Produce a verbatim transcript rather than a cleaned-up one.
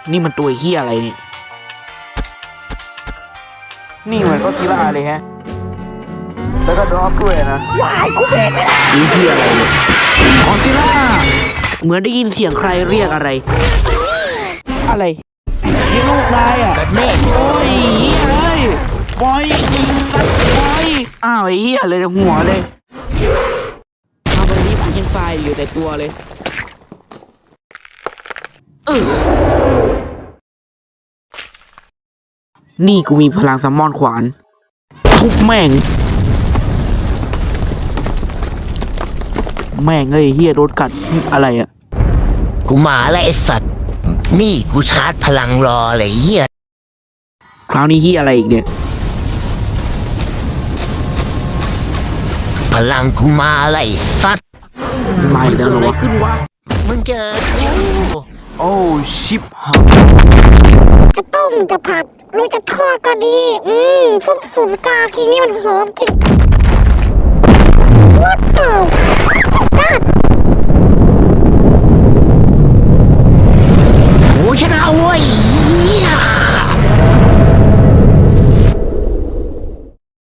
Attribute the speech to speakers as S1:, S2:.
S1: นี่มันตัวเฮียอะไรเนี่ยนี่เหมือนก็ซิล่าเลยฮะแล้วก็ดรอปด้วยนะว้ายกูเบรกไม่ได้นี่เฮียอะไรเนี่ยก็ซิล่าเหมือนได้ยินเสียงใครเรียกอะไรอะไรนี่ลูกนายอ่ะแม่โอ้ยเฮียเลยบอยยิงสัตว์บอยอ้าวไอ้เฮียเลยหัวเลยทำวันนี้ผมยังไฟอยู่แต่ตัวเลยเออนี่กูมีพลังซัมมอนขวานทุบแม่งแม่งเอ้ยเฮียโดนกัดอะไรอ่ะ
S2: กูมาแล้วไอ้สัตว์นี่กูชาร์จพลังรอเลยเฮีย
S1: คราวนี้เฮียอะไรอีกเนี่ย
S2: พลังกูมาแล้วไอ้สัตว์
S1: ไม่เดินอะไรขึ้นวะ
S2: มึงเจอกู
S1: โอ้ชิบหาย
S3: จะต้มจะผัดหรือจะทอดก็ดีอืมซุปสูตรกาทีนี้มันหอมจริง What the fuck
S2: โอ้ชนะเว้ย